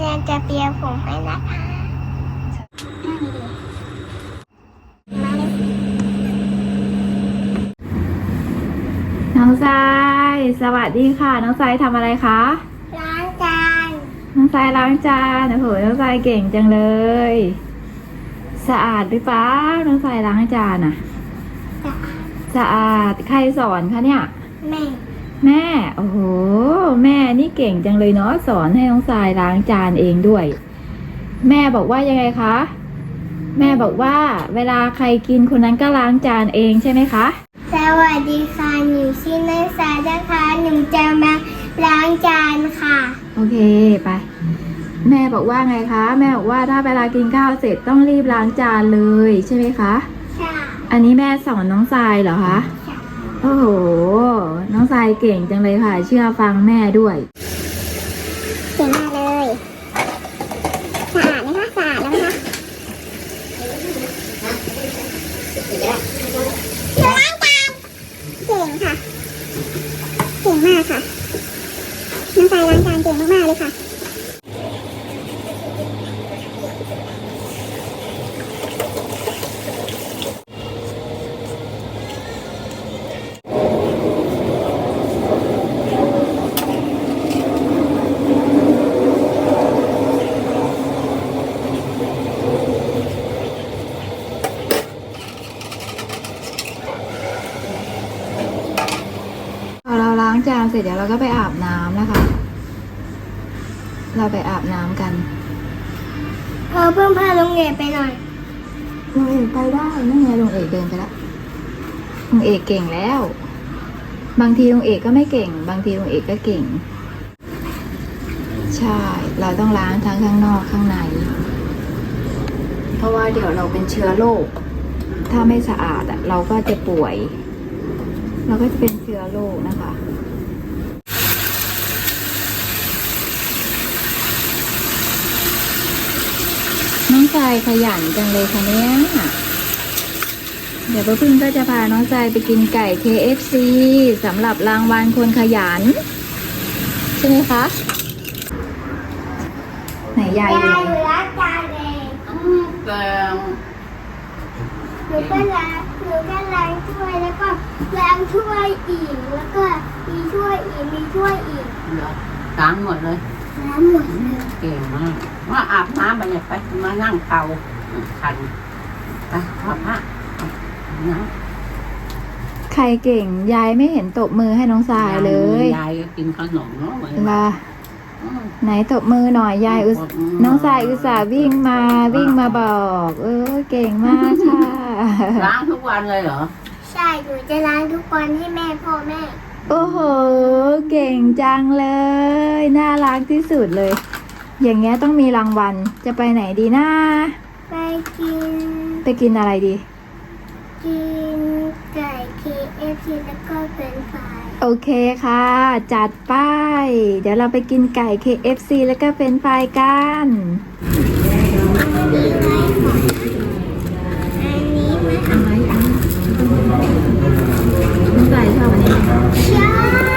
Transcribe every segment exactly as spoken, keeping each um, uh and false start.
เราจะเปียผมให้นะคะน้องทรายสวัสดีค่ะน้องทรายทำอะไรคะล้างจานน้องทรายล้างจานโอ้โหน้องทรายเก่งจังเลยสะอาดหรือเปล่าน้องทรายล้างจานอะสะอาดใครสอนคะเนี่ยแม่แม่โอ้โหแม่นี่เก่งจังเลยเนาะสอนให้น้องทรายล้างจานเองด้วยแม่บอกว่ายังไงคะแม่บอกว่าเวลาใครกินคนนั้นก็ล้างจานเองใช่ไหมคะสวัสดีค่ะหนูชื่อนักศึกษานะคะหนูจะมาล้างจานค่ะโอเคไปแม่บอกว่าไงคะแม่บอกว่าถ้าเวลากินข้าวเสร็จต้องรีบล้างจานเลยใช่ไหมคะใช่อันนี้แม่สอนน้องทรายเหรอคะใช่โอ้โหน้องทรายเก่งจังเลยค่ะเชื่อฟังแม่ด้วยเก่งมากเลยสะอาดไหมคะสะอาดแล้วไหมคะล้างจานเก่งค่ะเก่งมากค่ะน้องทรายล้างจานเก่งมากๆเลยค่ะพอเราล้างจานเสร็จเดี๋ยวเราก็ไปอาบน้ำนะคะเราไปอาบน้ำกันพอเพิ่มพาลงเอกไปหน่อยลุงเอกไปได้นั่นไงลุงเอกเดินไปแล้วลุงเอกเก่งแล้วบางทีลุงเอกก็ไม่เก่งบางทีลุงเอกก็เก่งใช่เราต้องล้างทั้งข้างนอกข้างในเพราะว่าเดี๋ยวเราเป็นเชื้อโรคถ้าไม่สะอาดอ่ะเราก็จะป่วยเราก็จะเป็นเชื้อโรคนะคะน้องทรายขยันจังเลยค่ะเนี่ยเดี๋ยวป้าพึ่งก็จะพาน้องทรายไปกินไก่ เค เอฟ ซี สำหรับรางวัลคนขยันใช่ไหมคะไหนยายายยอยู่ล้างจานเองแต่หนูก็ล้างหนูก็ล้างถ้วยแล้วก็ล้างถ้วยอีกแล้วก็มีถ้วยอีกมีถ้วยอีกเหรอล้างหมดเลยล้างหมดเลยเก่งมากว่าอาบน้ำไปเนี่ยไปมานั่งเตาคันไปขอพระนะใครเก่งยายไม่เห็นตบมือให้น้องทรายเลยยายก็กินขนมเนาะเหมือนล่ะไหนตบมือหน่อยยายอุน้องทรายอุตส่าห์วิ่งมาวิ่งมาบอกเออเก่งมากค่ะล้างทุกวันเลยเหรอใช่หนูจะล้างทุกวันให้แม่พ่อแม่โอ้โหเก่งจังเลยน่ารักที่สุดเลยอย่างเงี้ยต้องมีรางวัลจะไปไหนดีนะไปกินไปกินอะไรดีกินไก่ เค เอฟ ซี แล้วก็เฟรนช์ฟรายโอเคค่ะจัดไปเดี๋ยวเราไปกินไก่ เค เอฟ ซี แล้วก็เฟรนช์ฟรายกันอันนี้ไหมอันไหนอันน้องทรายชอบอันนี้ไหมใช่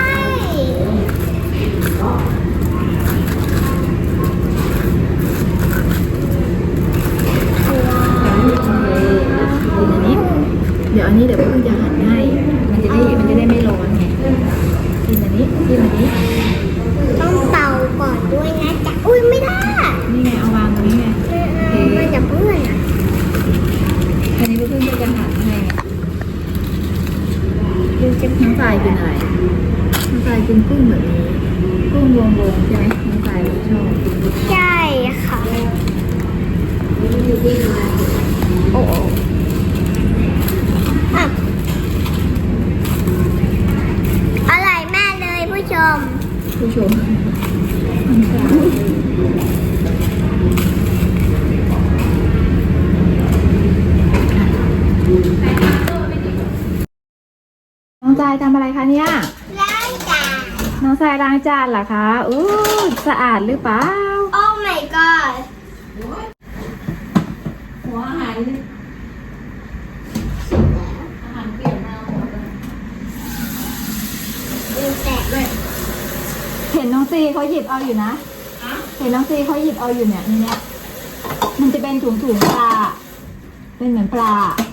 เดี๋ยวอันนี้เดี๋ยวเพิ่งจะหั่นให้มันจะได้มันจะได้ไม่ร้อนไงกินอันนี้กินอันนี้ต้องเตาก่อนด้วยนะจ๊ะอุ้ยไม่ได้นี่ไงเอาวางตรงนี้ไงมันจะเปื้อนอ่ะอันนี้เพิ่งจะหั่นให้ดูจะน้องทรายกินอะไรน้องทรายกินกุ้งแบบนี้กุ้งวงๆใช่ไหมน้องทรายชอบใช่ค่ะโอ้อร่อยมากเลยผู้ชมผู้ชมน้องทรายทำอะไรคะเนี่ยล้างจานน้องทรายล้างจานเหรอคะอู้สะอาดหรือเปล่าโอ้ my god หัวหายอาหารเปลี่ยนมาหมดเลยดูแตกด้วยเห็นน้องซีเขาหยิบเอาอยู่นะเห็นน้องซีเขาหยิบเอาอยู่เนี่ยในเนี้ยมันจะเป็นถุงถุงๆปลา เป็นเหมือนปลา